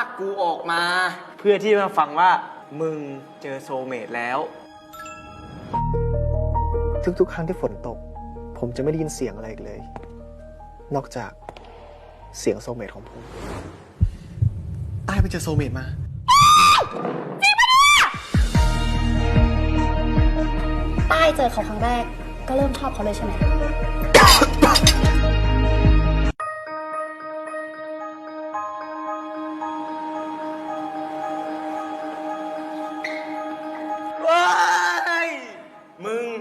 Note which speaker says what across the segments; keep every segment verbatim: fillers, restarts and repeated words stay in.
Speaker 1: ากกูออกมา
Speaker 2: เพื่อที่มาฟังว่ามึงเจอโซลเมตแล้ว
Speaker 3: ทุกๆครั้งที่ฝนตกผมจะไม่ได้ยินเสียงอะไรอีกเลย นอกจากเสียงโซลเมตของผมตายไปเจอโซลเมตมา
Speaker 4: ต้ายเจอเขาครั้งแรกก็เริ่มชอบเขาเลยใช่ไหม
Speaker 2: ว้ายมึง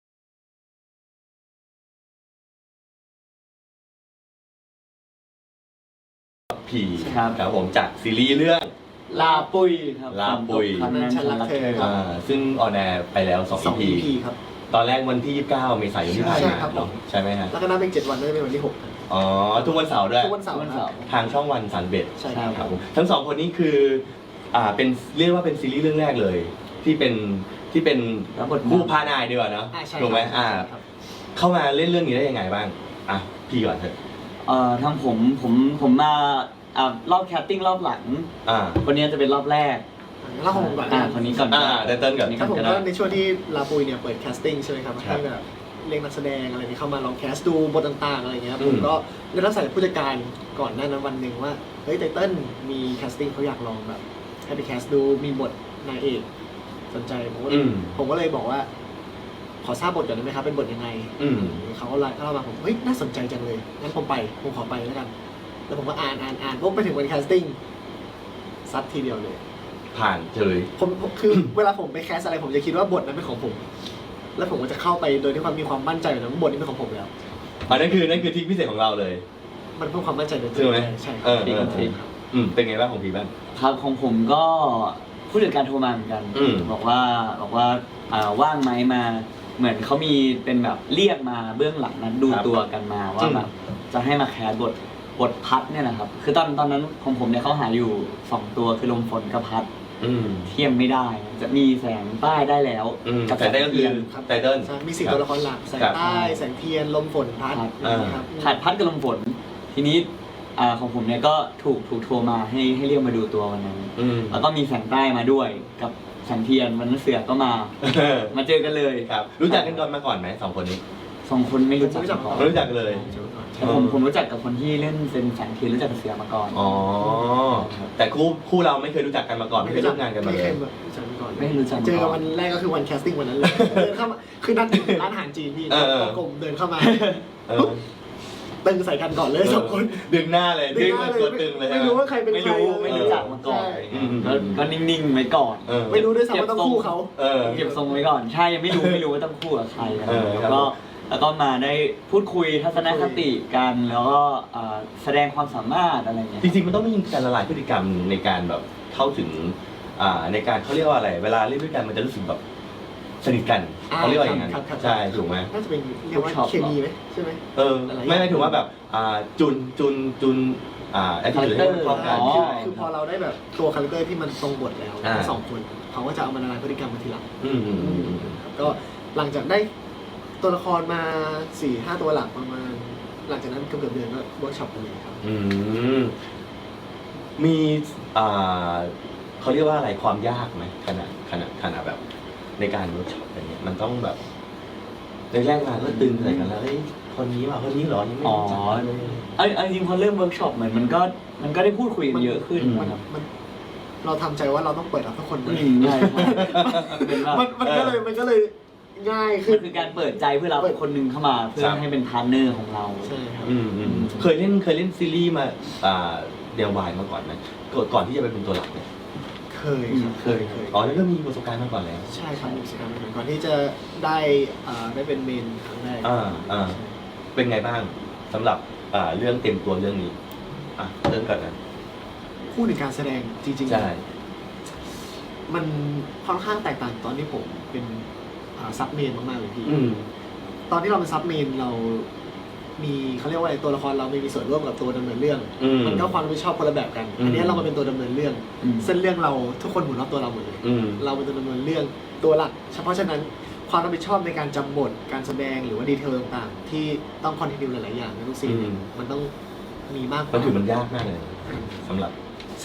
Speaker 5: ผีครับครับผมจากซีรีส์เรื่อง
Speaker 6: ลาปุยครับ
Speaker 5: ลาปุย
Speaker 6: ครั้งนั้นฉันรักเธอ
Speaker 5: อ่าซึ่งออนแอร์ไปแล้วสอง อี พี
Speaker 3: ครับ
Speaker 5: ตอนแรกวันที่ยี่สิบเก้าเมษายนที่ผ่านมาเนาะใช่ไหมฮะ
Speaker 3: แล้วก็นับเป็นเจ็ดวันก็จะเป็นวันที่หก
Speaker 5: อ๋อทุกวันเสาร์ด้วย
Speaker 3: ทุกวันเสาร์ครับ
Speaker 5: ทางช่องวันสันเบ็ด
Speaker 3: ใช่ครับ
Speaker 5: ทั้งสองคนนี้คืออ่าเป็นเรียกว่าเป็นซีรีส์เรื่องแรกเลย ที่เป็นที่เป็นคู่พานายดีกว่าเนาะถูกไหมอ่าเข้ามาเล่นเรื่องนี้ได้ยังไงบ้างอ่ะพี่ก่อนเถอะ
Speaker 6: เอ่อทางผมผมผมมาอ่ารอบแคสติ้งรอบหลัง
Speaker 5: อ่า
Speaker 6: คนนี้จะเป็นรอบแรก
Speaker 3: แล้วของผมก่อน
Speaker 6: อ่าคนนี้ก่อน
Speaker 5: อ่าเต้นเต้นก่อน
Speaker 3: ครับผมก็ในช่วงที่ลาปุยเนี่ยเปิดแคสติ้งใช่ไหมครับให้แบบเรียกนักแสดงอะไรนี้เข้ามาลองแคสดูบทต่างๆอะไรเงี้ยผมก็ได้รับสายผู้จัดการก่อนหน้านั้นวันหนึ่งว่าเฮ้ยไตเติ้ลมีแคสติ้งเขาอยากลองแบบให้ไปแคสดูมีบทนายเอกสนใจผมก็ผมก็เลยบอกว่าขอทราบบทก่อนได้ไหมครับเป็นบทยังไงเขาก็ไลน์เข้ามาผมเฮ้ยน่าสนใจจังเลยงั้นผมไปผมขอไปแล้วกันแล้วผมก็อ่านอ่านอ่านปุ๊บไปถึงวันแคสติ้งซัดทีเดียวเลย
Speaker 5: ผ่านเฉย
Speaker 3: ผมคือเวลาผมไปแคสอะไรผมจะคิดว่าบทนั้นเป็นของผมแล้วผมก็จะเข้าไปโดยที่ความมีความมั่นใจอยู่นะว่าบทนี้เป็นของผมแล้ว
Speaker 5: อันนั้นคือนั่นคือทริคพิเศษของเราเลย
Speaker 3: มันเพิ่มความมั่นใจในตัว
Speaker 5: ใช่ไหม
Speaker 3: ใช่
Speaker 5: เออเอออืมเป็นไงบ้างของพี่บ้าง
Speaker 6: ครับของผมก็ผู้จัดการโทรมาเหมือนกันบอกว่าบอกว่าอ่าว่างไหมมาเหมือนเขามีเป็นแบบเรียกมาเบื้องหลังนั้นดูตัวกันมาว่าแบบจะให้มาแคสบทบทพัดเนี่ยนะครับคือตอนตอนนั้นของผมเนี่ยเขาหาอยู่สองตัวคือลมฝนกับพัดเทียมไม่ได้จะมีแสงใต้ได้แล้ว
Speaker 5: กับแสงใต้ก็คือไตเติ้ล
Speaker 3: มีสี่ตัวละครหลักแสงใต้แสงเทียนลมฝนพัด
Speaker 6: นะครับพัดพัดกับลมฝนทีนี้อ่าของผมเนี่ยก็ถูกถูกโทรมาให้ให้เรียกมาดูตัววันนั้นแล้วก็มีแสงใต้มาด้วยกับแสงเทียนวันนั้นเสือก็มามาเจอกันเลย
Speaker 5: ครับรู้จักกันก่อนมาก่อนไหมสองคนนี้
Speaker 6: สองคนไม่รู้จัก
Speaker 5: ก่อนรู้จักเลย
Speaker 6: ผมผมรู้จักกับคนที่เล่นเป็นแสงเทียนรู้จักกับเสือมาก่อน
Speaker 5: อ๋อแต่คู่คู่เราไม่เคยรู้จักกันมาก่อนไม่เคยร่วมงานกันมาเลย
Speaker 6: ไม่รู้จัก
Speaker 3: เจอกันวันแรกก็คือวันแคสติ้งวันนั้นเลยเดินเข้ามาคือนัดร้านอาหารจีนพี่กลมเดินเข้ามาตึงใส่กันก่อนเลยสองคน
Speaker 5: ดึงหน้าเลยดึงตัวตึงเลย
Speaker 3: ไม่รู้ว่าใครเป็นใคร
Speaker 6: ไม่รู้ไม่รู้จักมาก่อนก็นิ่งๆไว้ก่อน
Speaker 3: ไม่รู้ด้วยซ้ำว่าต้องคู่เขา
Speaker 6: เก็บทรงไว้ก่อนใช่ยังไม่รู้ไม่รู้ว่าต้องคู่กับใครแล้วก็แล้วก็มาได้พูดคุยทัศนคติกันแล้วก็แสดงความสามารถอะไรเงี้ย
Speaker 5: จริงๆมันต้องมีการละลายพฤติกรรมในการแบบเข้าถึงในการเขาเรียกว่าอะไรเวลาเล่นด้วยกันมันจะรู้สึกแบบสนิทกันเขาเรียกว่าอย่างนั้นใช่ถูกไหม
Speaker 3: น่าจะเป็นเรียกว่าเคมีไหมใช่ไหม
Speaker 5: เออไม่ไม่ถือว่าแบบจุนจุนจุนอ่าแอคทีฟให้เข้ากัน
Speaker 3: คือพอเราได้แบบตัวคาแรคเตอร์ที่มันตรงบทแล้วทั้งสองคนเขาก็จะเอามาละลายพฤติกรรมมาทีหลังก็หลังจากได้ตัวละครมาสี่ห้าตัวหลักประมาณหลังจากนั้นเกือบเดือนก็เวิร์กช็อปเลยครับ
Speaker 5: อืมมีอ่าเขาเรียกว่าอะไรความยากไหมขนาดขนาดขนาดแบบในการเวิร์กช็อปอะไรเงี้ยมันต้องแบบในแรกมาก็ตึงใส่กันแล้วเฮ้ยคนนี้ว่าคนนี้หรอยังไม่รู้จักเลย
Speaker 6: ไอ้ไอ้จริงพอเริ่มเวิร์กช็อปเหมือนมันก็มันก็ได้พูดคุยกันเยอะขึ้น
Speaker 3: มันเราทำใจว่าเราต้องเปิดรับทุกคน
Speaker 6: เลยใช่
Speaker 3: มันมันก็เลยมันก็เลยง่ายคือ
Speaker 6: คือการเปิดใจเพื่อเราคนหนึ่งเข้ามาเพื่อให้เป็นพาร์ทเนอร์ของเรา
Speaker 3: ใช่ครับ
Speaker 5: เคยเล่นเคยเล่นซีรีส์มาเดลวายมาก่อนไหมก่อนที่จะไปเป็นตัวหลักเนี่ย
Speaker 3: เคยครับเคยเคย
Speaker 5: อ๋อแล้วก็มีประสบการณ์มาก่อนแล้ว
Speaker 3: ใช่ครับมีประสบการณ์มาก่อนก่อนที่จะได้ได้เป็นเมนครั้งแรก
Speaker 5: อ่าอ่าเป็นไงบ้างสำหรับเรื่องเต็มตัวเรื่องนี้อ่ะเริ่มก่อนนะ
Speaker 3: คู่ในการแสดงจริงๆ
Speaker 5: ใช่
Speaker 3: มันค่อนข้างแตกต่างตอนที่ผมเป็นซับเมนมากๆเลยพี่ตอนที่เราเป็นซับเมนเรามีเขาเรียกว่าอะไรตัวละครเราไม่มีส่วนร่วมกับตัวดำเนินเรื่องมันก็ความรับผิดชอบคนละแบบกันอันนี้เรามาเป็นตัวดำเนินเรื่องเส้นเรื่องเราทุกคนหมุนรอบตัวเราหมดเลยเราเป็นตัวดำเนินเรื่องตัวหลักเฉพาะฉะนั้นความรับผิดชอบในการจำบทการแสดงหรือว่าดีเทลต่างๆที่ต้องคอนทินิวหลายๆอย่างในทุกซีนมันต้องมีมากกว่า
Speaker 5: มันถือมันยากมากเลยสำหรับ
Speaker 3: สำหรับ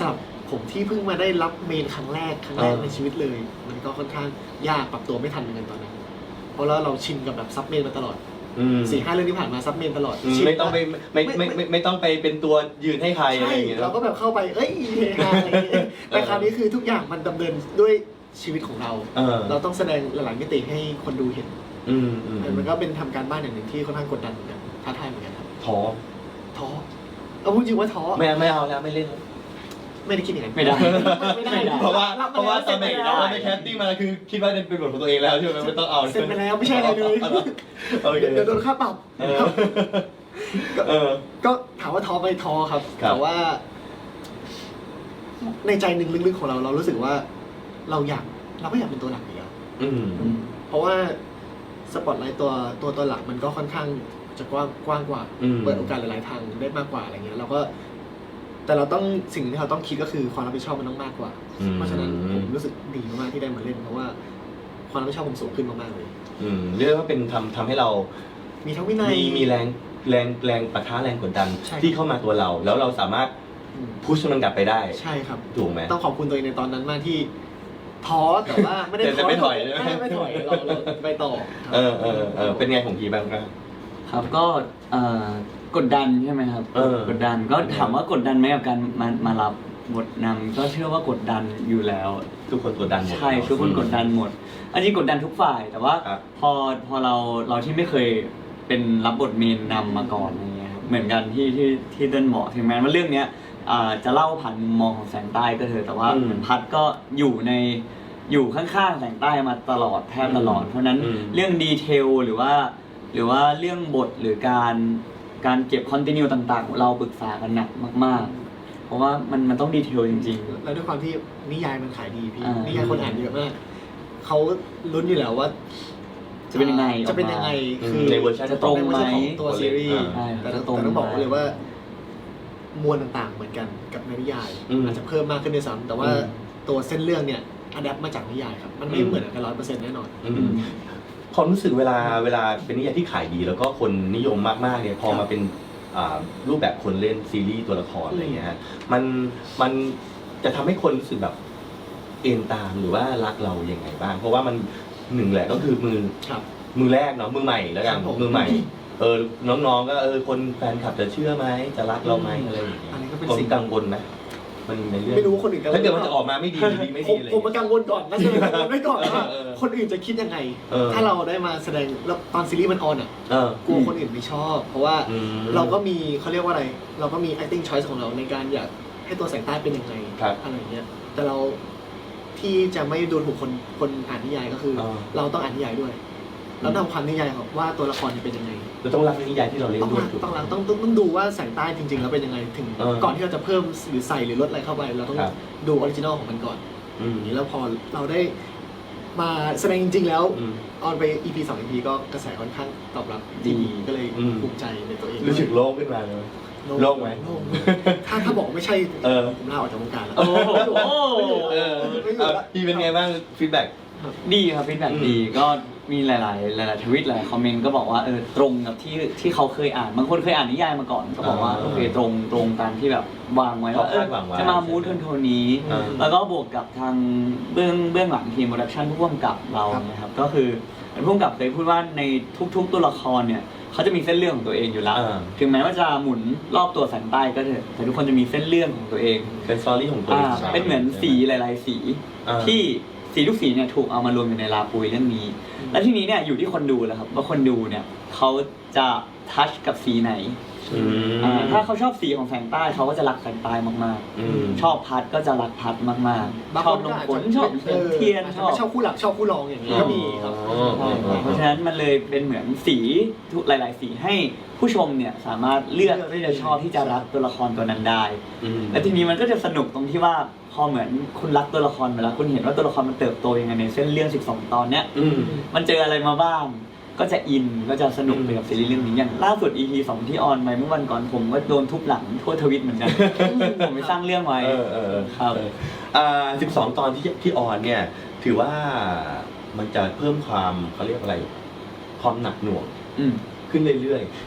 Speaker 3: ผมที่เพิ่งมาได้รับเมนครั้งแรกครั้งแรก
Speaker 5: เออ
Speaker 3: ในชีวิตเลย มันก็ค่อนข้างยากปรับตัวไม่ทันเหมือนกันตอนนั้นเพราะแล้วเราชินกับแบบซับเมนมาตลอด
Speaker 5: อืม
Speaker 3: สี่ห้าเรื่องที่ผ่านมาซับเมนตลอด
Speaker 5: อืม
Speaker 3: ชิน
Speaker 5: ไม่ต้องไปไม่ไม่ไม่ไม่ไม่ต้องไปเป็นตัวยืนให้ใครอะไร
Speaker 3: ใช่
Speaker 5: อย่างเงี้ย
Speaker 3: เราก็แบบเข้าไปเอ้ยเฮฮาอะไรอย่างเงี้ยแต่คราวนี้คือทุกอย่างมันดำเนินด้วยชีวิตของเรา
Speaker 5: เออ
Speaker 3: เราต้องแสดงหลายๆมิติให้คนดูเห็น
Speaker 5: อืมอืม
Speaker 3: มันก็เป็นทำการบ้านอย่างหนึ่งที่ค่อนข้างกดดันเหมือนกันท้าทายเหมือนกันครับ
Speaker 5: ท้อ
Speaker 3: ท้อเอาพูดจริงว่าท้อ
Speaker 5: ไม่ไม่เอาแล้วไม่เล่นแล้ว
Speaker 3: ไม่ได้คิดอย่างนั้น
Speaker 6: ไม่ได้
Speaker 3: ไม่ได้
Speaker 6: ไม่ได้
Speaker 5: เพราะว่า
Speaker 3: บ
Speaker 5: เพราะว่าตอน
Speaker 3: ไป
Speaker 5: ไป
Speaker 3: แล้ว
Speaker 5: ตอนไปแคสติ้งมาคือคิดว่าเป็นบทของตัวเองแล้วใช่ไหมไม่ต้องเอา
Speaker 3: เซ็นไปแล้วไม่ใช่อะไรเลย
Speaker 5: โอเค
Speaker 3: เดี๋ยวโดนค่าปรับ
Speaker 5: เออเออ
Speaker 3: ก็ถามว่าท้อไปท้อครับ
Speaker 5: ครับ
Speaker 3: แต่ว่า ในใจหนึ่งลึกๆของเราเรารู้สึกว่า เราอยากเราก็อยากเป็นตัวหลักอยู่แล้ว
Speaker 5: อืม
Speaker 3: เพราะว่าสปอตไลท์ตัวตัวตัวหลักมันก็ค่อนข้างจะกว้างกว้างกว่า
Speaker 5: อืม
Speaker 3: เปิดโอกาสหลายๆทางได้มากกว่าอะไรเงี้ยเราก็แต่เราต้องสิ่งที่เราต้องคิดก็คือความรับผิดชอบมันต้องมากกว่า
Speaker 5: อืม
Speaker 3: เพราะฉะนั้นผมรู้สึกดีมากๆที่ได้มาเล่นเพราะว่าความรับผิดชอบผมสูงขึ้นมากๆเลย
Speaker 5: อืมเรียกว่าเป็นทำทำให้เรา
Speaker 3: มีทั้งวินัย
Speaker 5: มีมีแรงแรงแรงปะทะแรงกดดัน
Speaker 3: ใช่
Speaker 5: ที่เข้ามาตัวเรา แล้วเราสามารถ
Speaker 3: อืม
Speaker 5: พุชมันกลับไปได้
Speaker 3: ใช่ครับ
Speaker 5: ถูกไหม
Speaker 3: ต้องขอบคุณตัวเองในตอนนั้นมากที่ท้อแต่ว่าไม่ได้
Speaker 5: แต่
Speaker 3: ท้อ
Speaker 5: ไม่ถอยใช่ไหม
Speaker 3: ไม่ไม่ถอยเราเราไปต่อครับ
Speaker 5: เออเออเออเป็นไงของพีบ้างครับ
Speaker 6: ครับก็เอ่อกดดันใช่ไหมครับ
Speaker 5: เออ
Speaker 6: กดดันก็ถามว่ากดดันไหมกับการมามารับบทนำก็เชื่อว่ากดดันอยู่แล้ว
Speaker 5: ทุกคนกดดันหมด
Speaker 6: ใช่ทุกคนกดดันหมดอันนี้กดดันทุกฝ่าย แต่ว่า
Speaker 5: ครับ
Speaker 6: พอพอเราเราที่ไม่เคยเป็นรับบทเมนนำมาก่อนอย่างเงี้ยครับเหมือนกันที่ที่ที่เดินบอกถึงแม้ว่าเรื่องเนี้ยอ่าจะเล่าผ่านมุมมองของแสงใต้ก็เถอะแต่ว่า
Speaker 5: อืม
Speaker 6: เหมือนพัดก็อยู่ในอยู่ข้างๆแสงใต้มาตลอดแทบตลอด เพราะฉะนั้น
Speaker 5: อืม
Speaker 6: เรื่องดีเทลหรือว่า หรือว่าเรื่องบทหรือการการเก็บคอนติเนียต่างๆ เราปรึกษากันหนักมากๆ เพราะว่ามันมันต้องดีเทลจริง
Speaker 3: แล้วด้วยความที่นิยายมันขายดีพี่
Speaker 6: อ่านิ
Speaker 3: นิยายคนอ่านเยอะมากเขาลุ้นอยู่แล้วว่า
Speaker 6: จะเป็นยังไง
Speaker 3: จะเป็นยังไง
Speaker 5: อืม
Speaker 3: คือ
Speaker 5: ในเวอร์ชัน
Speaker 6: จะตรงไหม
Speaker 3: ในเวอร์ชันของตัวซีรีส์
Speaker 6: ใช่
Speaker 3: แต่
Speaker 6: จะ
Speaker 3: ต้อง
Speaker 6: ตรง
Speaker 3: แต่ต้องบอก
Speaker 6: ไหม
Speaker 3: เลยว่ามวลต่างๆเหมือนกันกับในนิยาย
Speaker 5: อืม
Speaker 3: อาจจะเพิ่มมากขึ้นด้วยซ้ำแต่ว่า
Speaker 5: อืม
Speaker 3: ตัวเส้นเรื่องเนี่ยอัดแอปมาจากนิยายครับ มันไม่
Speaker 5: อืม
Speaker 3: เหมือนกันร้อยเปอร์เซ็นต์แน่นอน
Speaker 5: อืมความรู้สึกเวลาเวลาเป็นนิยายที่ขายดี แล้วก็คนนิยมมากๆเนี่ยพอมาเป็นอ่ารูปแบบคนเล่นซีรีส์ตัวละครอะไรอย่างเงี้ยฮะมันมันจะทำให้คนรู้สึกแบบเอ็นตามหรือว่ารักเราอย่างไงบ้าง เพราะว่ามันหนึ่งแหละก็คือมือ
Speaker 3: ครับ
Speaker 5: มือแรกเนาะมือใหม่แล้วกัน
Speaker 3: ครับผม
Speaker 5: มือใหม่เออน้องๆก็เออคนแฟนคลับจะเชื่อไหมจะรักเราไหมอะไรอย่างเงี้ย
Speaker 3: อันนี้ก็เป็น
Speaker 5: ผม
Speaker 3: สิ่ง
Speaker 5: กังวลไหมมันในเรื่อง
Speaker 3: ไม่รู้ว่าคนอื่นกังวล
Speaker 5: ถ้าเกิดมันจะออกมาไม่ดีดีไม่
Speaker 3: ผ
Speaker 5: ดี
Speaker 3: ม
Speaker 5: เลย
Speaker 3: ผมมากังวลก่อนนะใช่ไหมกังวลไว้ก่อนว่า
Speaker 5: เออเออ
Speaker 3: คนอื่นจะคิดยังไง
Speaker 5: เออ
Speaker 3: ถ้าเราได้มาแสดงแล้วตอนซีรีส์มันออนอ่ะ
Speaker 5: เออ
Speaker 3: กลัวคนอื่นไม่ชอบ เพราะว่า
Speaker 5: อืม
Speaker 3: เราก็มีเขาเรียกว่าอะไร เราก็มี acting choice ของเราในการอยากให้ตัวแสงใต้เป็นยังไง
Speaker 5: ครับ
Speaker 3: อะไรอย่างเงี้ย แต่เราที่จะไม่ดูถูกคนคนอ่านนิยายก็คือ
Speaker 5: อ่า
Speaker 3: เราต้องอ่านนิยายด้วย เราต้องทำความนิยายของว่าตัวละครเนี่ยเป็นยังไง
Speaker 5: เราต้องรักในนิยายที่เราเล่น
Speaker 3: ต้อง
Speaker 5: ด้วย
Speaker 3: รัก
Speaker 5: ถูก
Speaker 3: ต้องรักต้องต้องต้องดูว่าแสงใต้จริงๆแล้วเป็นยังไงถึง
Speaker 5: เออ
Speaker 3: ก่อนที่เราจะเพิ่มหรือใส่หรือลดอะไรเข้าไป เราต้อง
Speaker 5: ครับ
Speaker 3: ดูออริจินอลของมันก่อน
Speaker 5: อืม
Speaker 3: อย่างนี้แล้วพอเราได้มาแสดงจริง ๆ แล้ว
Speaker 5: อืม
Speaker 3: ออนไป อี พี สอง อี พี ก็กระแสค่อนข้างตอบรับดีก็เลย
Speaker 5: อืม
Speaker 3: ภูมิใจในตัวเอง
Speaker 5: รู้สึกโล่งขึ้นมาเลย โล่งไหม
Speaker 3: โล่งถ้าถ้าบอกไม่ใช่
Speaker 5: เออ
Speaker 3: ผมลาออกจากวงการแล้ว
Speaker 6: โอ้โห
Speaker 5: เออ
Speaker 3: ไม่อยู่
Speaker 5: เอา
Speaker 3: แล้ว
Speaker 5: พี่เป็นไงบ้างฟีดแบ็ก
Speaker 6: ดีครับฟีดแบ็ก
Speaker 5: อืม
Speaker 6: ดีก็มีหลาย ๆ หลาย ๆ ทวิตหลายคอมเมนต์ก็บอกว่าเออตรงกับที่ที่เขาเคยอ่านบางคนเคยอ่านนิยายมาก่อนก็บอกว่า
Speaker 5: อ่า
Speaker 6: โอเคตรงตรงตามที่แบบวางไว้ว่าเออ
Speaker 5: เขาคาดหวังไว้
Speaker 6: จะมามูดโทนๆนี้
Speaker 5: อ่า
Speaker 6: แล้วก็บวกกับทางเบื้องเบื้องหลังทีมโปรดักชันผู้กำกับเรานะครับก็คือผู้กำกับเคยพูดว่าในทุก ๆ ตัวละครเนี่ยเขาจะมีเส้นเรื่องของตัวเองอยู่แล้ว
Speaker 5: อ่า
Speaker 6: ถึงแม้ว่าจะหมุนรอบตัวแสงใต้ก็เถอะแต่ทุกคนจะมีเส้นเรื่องของตัวเอง
Speaker 5: เป็นสตอรี่ของตัว
Speaker 6: อ่า
Speaker 5: เอง
Speaker 6: เป็นเหมือนสีหลาย ๆ สี
Speaker 5: อ่า
Speaker 6: ที่สีทุกสีเนี่ยถูกเอามารวมอยู่ในลาปุยเรื่องนี้ และทีนี้เนี่ยอยู่ที่คนดูแหละครับว่าคนดูเนี่ยเขาจะทัชกับสีไหน
Speaker 5: อืม
Speaker 6: อ่าถ้าเขาชอบสีของแสงใต้เขาก็จะรักแสงใต้มาก
Speaker 5: อืม
Speaker 6: ๆ ชอบพัดก็จะรักพัดมาก
Speaker 3: บาง
Speaker 6: ๆ ช
Speaker 3: ค
Speaker 6: อบ
Speaker 3: น
Speaker 6: ล
Speaker 3: ก็
Speaker 6: ง
Speaker 3: อาจ
Speaker 6: ฝน
Speaker 3: จะ
Speaker 6: ชอบ
Speaker 3: ออ
Speaker 6: เทียน
Speaker 3: อาจ
Speaker 6: ช
Speaker 3: จะ
Speaker 6: อบ
Speaker 3: ไม่ชอบคู่หลักชอบคู่รองอย่างนี้ก็มีครับ
Speaker 5: อ๋อ
Speaker 6: ใช่ครับเพราะฉะนั้นมันเลยเป็นเหมือนสีทุกหลาย ๆ สีให้ผู้ชมเนี่ยสามารถเลือกที่จะชอบที่จะรักตัวละครตัวนั้นได้
Speaker 5: อืม
Speaker 6: และทีนี้มันก็จะสนุกตรงที่ว่าพอเหมือนคุณรักตัวละครไปแล้วคุณเห็นว่าตัวละครมันเติบโตยังไงในเส้นเรื่องสิบสองตอนเนี้ย
Speaker 5: อืม
Speaker 6: มันเจออะไรมาบ้าง ก็จะอินก็จะสนุกไปกับซีรีส์เรื่องนี้อย่างล่าสุด อี พี สองที่ออนไปเมื่อวันก่อนผมก็โดนทุบหลังทั่วทวิตเหมือนกัน ผมไปสร้างเรื่องไว้
Speaker 5: เออเออ
Speaker 6: ครับ
Speaker 5: เอออ่าสิบสองตอนที่ที่ออนเนี่ย ถือว่ามันจะเพิ่มความเขาเรียกอะไร ความหนักหน่วง
Speaker 6: อืม
Speaker 5: ขึ้นเรื่อยๆ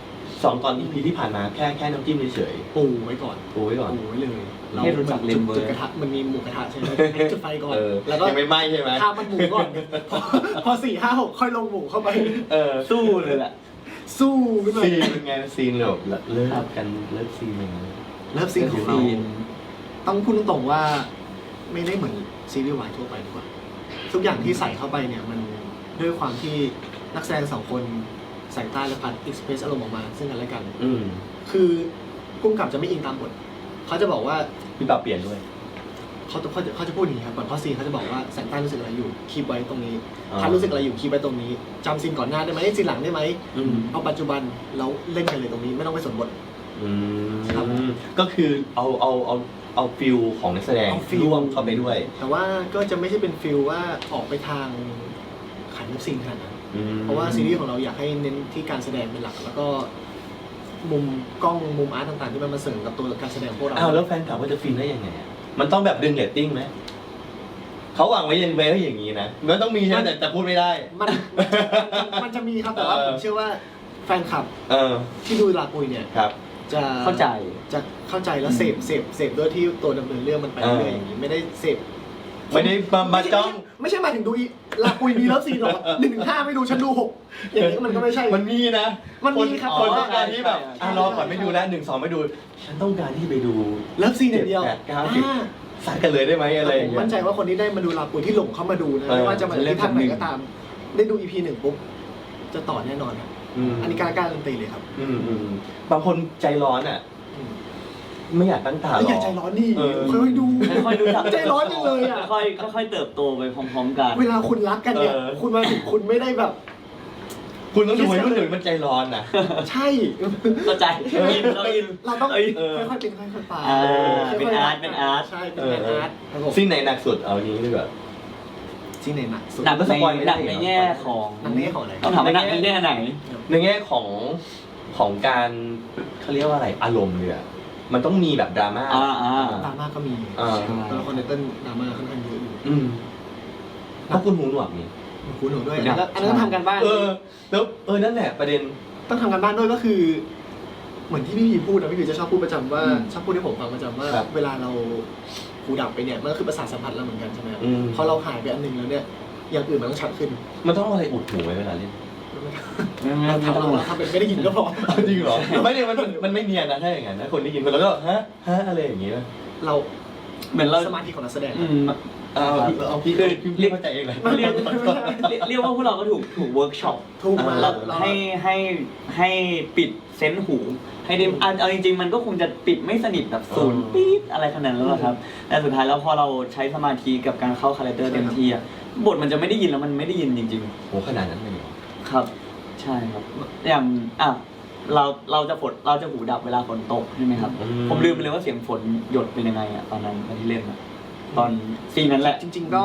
Speaker 5: สองตอนอีพีที่ผ่านมาแค่แค่น้ำจิ้มเฉย
Speaker 3: ปูไว้ก่อน
Speaker 5: ๆปูไว้ก่อน
Speaker 3: ปูไว้เลย
Speaker 6: ให้รู้จัก
Speaker 3: จุด
Speaker 6: Rainbow
Speaker 3: จุดกระทะมันมีหมูกระทะใช่ไหมให้จุดไฟก่อน
Speaker 5: เออ
Speaker 3: แล้วก็
Speaker 5: ยังไม่ไหม้ใช่ไหม
Speaker 3: ข้ามมันหมูก่อนพอพอสี่ห้าหกค่อยลงหมูเข้าไป
Speaker 5: เออ
Speaker 6: สู้เลยแหละ
Speaker 3: สู้ขึ้นมา
Speaker 5: ซีนเป็นไงซีนแบบเลิกกันเลิกซีนเป็นไง
Speaker 3: เลิฟซีนของเรา
Speaker 6: ซีน
Speaker 3: ต้องพูดตรงๆว่าไม่ได้เหมือนซีรีส์วายทั่วไปดีกว่าทุกอย่างที่ใส่เข้าไปเนี่ยมันด้วยความที่นักแสดงสองคนแสงใต้และพัดเอ็กซ์เพรสอารมณ์ออกมาซึ่งกันและกัน
Speaker 5: อืม
Speaker 3: คือพุ่มกับจะไม่อิงตามบทเขาจะบอกว่า
Speaker 5: พี่ปรับเปลี่ยนด้วย
Speaker 3: เขาจะเขาจะเขาจะพูดอย่างนี้ครับก่อนเข้าซีนเขาจะบอกว่าแสงใต้รู้สึกอะไรอยู่คีบไว้ตรงนี้
Speaker 5: อ่า
Speaker 3: พัดรู้สึกอะไรอยู่คีบไว้ตรงนี้จำซีนก่อนหน้าได้ไหมซีนหลังได้ไหม
Speaker 5: อืม
Speaker 3: เอาปัจจุบันแล้วเล่นกันเลยตรงนี้ไม่ต้องไปสนบท
Speaker 5: อื
Speaker 3: ครับ
Speaker 5: มก็คือเอาเอาเอาเอาฟิลของนักแสดง
Speaker 3: เอาฟิล
Speaker 5: ร่วมเข้าไปด้วย
Speaker 3: แต่ว่าก็จะไม่ใช่เป็นฟิลว่าออกไปทางขันเลิฟซีนขนาดนั้น
Speaker 5: อืม
Speaker 3: เพราะว่าซีรีส์ของเราอยากให้เน้นที่การแสดงเป็นหลัก แล้วก็มุมกล้องมุมอาร์ตต่างๆที่มันมาเสริมกับตัวการแสดงของพวกเรา
Speaker 5: อ้าวแล้วแฟนคลับว่าจะฟินได้ยังไงอะมันต้องแบบดึงเรตติ้งไหมเขาหวังไว้ยังไงว่าอย่างนี้นะมันต้องมีใช่ไหมแต่แต่พูดไม่ได้
Speaker 3: มันมันจะมีครับแต่ว่า
Speaker 5: เออ
Speaker 3: ผมเชื่อว่าแฟนคลับ
Speaker 5: เออ
Speaker 3: ที่ดูลาปุยเนี่ย
Speaker 5: ครับ
Speaker 3: จะ
Speaker 6: เข้าใจ
Speaker 3: จะเข้าใจแล้วเสพเสพเสพด้วยที่ตัวดำเนินเรื่องมันไปเรื่อยๆอย่างนี้ไม่ได้เสพ
Speaker 5: ไม่ได้มามาจ้อง
Speaker 3: ไม่ใช่หมายถึงดูอีลาปุยมีเลิฟซีนหรอกหนึ่งถึงห้าไม่ดูฉันดูหกอย่างนี้มันก็ไม่ใช่
Speaker 5: มันมีนะ
Speaker 3: มันมีครับ
Speaker 5: คนต้องการที่แบบ
Speaker 6: ใช่ใช่
Speaker 5: อ่ะรอก่อนไม่ดูแล้วหนึ่งสองไม่ดู ฉันต้องการที่ไปดู
Speaker 3: เลิฟซีนอย่างเดียว
Speaker 5: เจ็ดแปดเก้าสิบ
Speaker 3: อ่า
Speaker 5: สักกันเลยได้ไหมอะไรอ
Speaker 3: ผ
Speaker 5: ย่าง
Speaker 3: ม
Speaker 5: เงี้
Speaker 3: มั่นใจ
Speaker 5: ย
Speaker 3: ว่าคนที่ได้มาดูลาปุยที่หลงเข้ามาดูนะ
Speaker 5: เออ
Speaker 3: ไม่ว่าจะมาจากที่ทางไหน
Speaker 6: เล่นแบบหนึ่ง
Speaker 3: ก็ตาม ได้ดู อี พี หนึ่งปุ๊บจะต่อแน่นอนครับ
Speaker 5: ม
Speaker 3: อันนี้กล้ากล้าการันตีเลยครับ
Speaker 5: อืมอืมบางคนใจร้อนอ่ะ
Speaker 3: อืม
Speaker 5: ไม่อยากตั้งตา
Speaker 3: แล้ว
Speaker 5: ร
Speaker 3: อย่า
Speaker 5: อ
Speaker 3: ใจร้อนดิ
Speaker 5: เออ
Speaker 3: ค่อยๆดู
Speaker 6: ค่อยๆรู้จัก
Speaker 3: ใจร้อนจังเลยอ่ะ
Speaker 6: ค่อยๆค่อยๆเติบโตไปพร้อมๆกัน
Speaker 3: เวลาคุณรักกันเนี่ย
Speaker 5: เออ
Speaker 3: คุณมาถึงคุณไม่ได้แบบ
Speaker 5: คุณต้องดูวัยรุ่นหนึ่งมันใจร้อนนะ
Speaker 3: ใช่
Speaker 6: เข้าใจอินเราอิน
Speaker 3: เราต้อง
Speaker 6: เอ้ย
Speaker 3: ค่อยๆเป็นค่อยๆไป
Speaker 6: อ่า
Speaker 3: ค่ยๆ
Speaker 6: เป็นอาร์ตเป็นอาร์ต
Speaker 3: ใช่เป็นงานอาร์ตครับผม
Speaker 5: ซีนไหนหนักสุดเอาอย่างนี้ดีกว่า
Speaker 3: ซีนไหนหนักสุด
Speaker 6: หนัก
Speaker 5: ก็สปอยไม่
Speaker 6: ในห
Speaker 5: ได้
Speaker 6: นัก
Speaker 5: เหรอ
Speaker 6: ในแง่ของ
Speaker 3: หนักในแง่ของอะไร
Speaker 6: ต้องถามว่าหนักในแง่ไหน
Speaker 5: ในแง่ของของการเขาเรียกว่าอะไรอารมณ์เนี่ยมันต้องมีแบบดราม่า
Speaker 6: อ่าอ่า
Speaker 3: ดราม่าก็มี
Speaker 5: อ่า
Speaker 3: ตัวละครในเต้นดราม่าค่อนข้างเยอะอยู่
Speaker 5: อืมเพราะคุณหูหนวกนี่
Speaker 3: คุณหนูด้วยอันนั้นก็อันนั้นก็ทำกันบ้าน
Speaker 5: เออแล้วเออนั่นแหละประเด็น
Speaker 3: ต้องทำกันบ้านด้วยก็คือ เหมือนที่พี่พีพูดนะพี่พีจะชอบพูดประจำว่า
Speaker 6: อืม
Speaker 3: ชอบพูดให้ผมฟังประจำว่า
Speaker 5: ครับ
Speaker 3: เวลาเราหูดับไปเนี่ยมันก็คือประสาทสัมผัสเราเหมือนกันใช่ไหมครับ
Speaker 5: อืม
Speaker 3: พอเราหายไปอันหนึงแล้วเนี่ยอย่างอื่นมันต้องชัดขึ้น
Speaker 5: มันต้องเอาอะไรอุดหูไว้เวลาเล่น
Speaker 6: ไม่ไม่
Speaker 3: เรา
Speaker 6: ไม่
Speaker 3: ทำ
Speaker 6: ต้อง
Speaker 3: เราทำเป็นไม่ได้ยินก็พอ
Speaker 5: จริงเหรอไม่เนี่ยมันมันมันไม่เนียนนะถ้าอย่างนั้นนะคนได้ยินคนแล้วก็ฮะฮะอะไรอย่างงี้นะ
Speaker 3: เรา
Speaker 6: เหมือนเรา
Speaker 3: สมาธิของนักแสดง
Speaker 6: อืม
Speaker 5: เอาพี่เอาพี่พี่พี่เข้าใจเองเลย
Speaker 6: เรียกเรียกเรียกว่าพวกเราก็ถูกถูกเวิร์กช็อป
Speaker 3: ถูกมา
Speaker 6: เรา
Speaker 3: เรา
Speaker 6: ให้ให้ให้ปิดเซนส์หู ให้ได้อ่ะเอาจริง ๆ มันก็คงจะปิดไม่สนิทแบบศูนย์ปี๊ดอะไรขนาดนั้นหรอกครับ แต่สุดท้ายแล้วพอเราใช้สมาธิกับการเข้าคาแรคเตอร์เต็มที่อะบทมันจะไม่ได้ยินแล้วมันไม่ได้ยินจริง
Speaker 5: โหขนาดนั้นเลยเหรอ
Speaker 6: ๆ ครับ ใช่ครับ อย่างอ่ะเราเราจะฝนเราจะหูดับเวลาฝนตกใช่ไหมครับ ผมลืมไปเลยว่าเสียงฝนหยดเป็นยังไงอะตอนนั้นตอนที่เล่นอะตอนซีนนั้นแหละ
Speaker 3: จริง ๆก็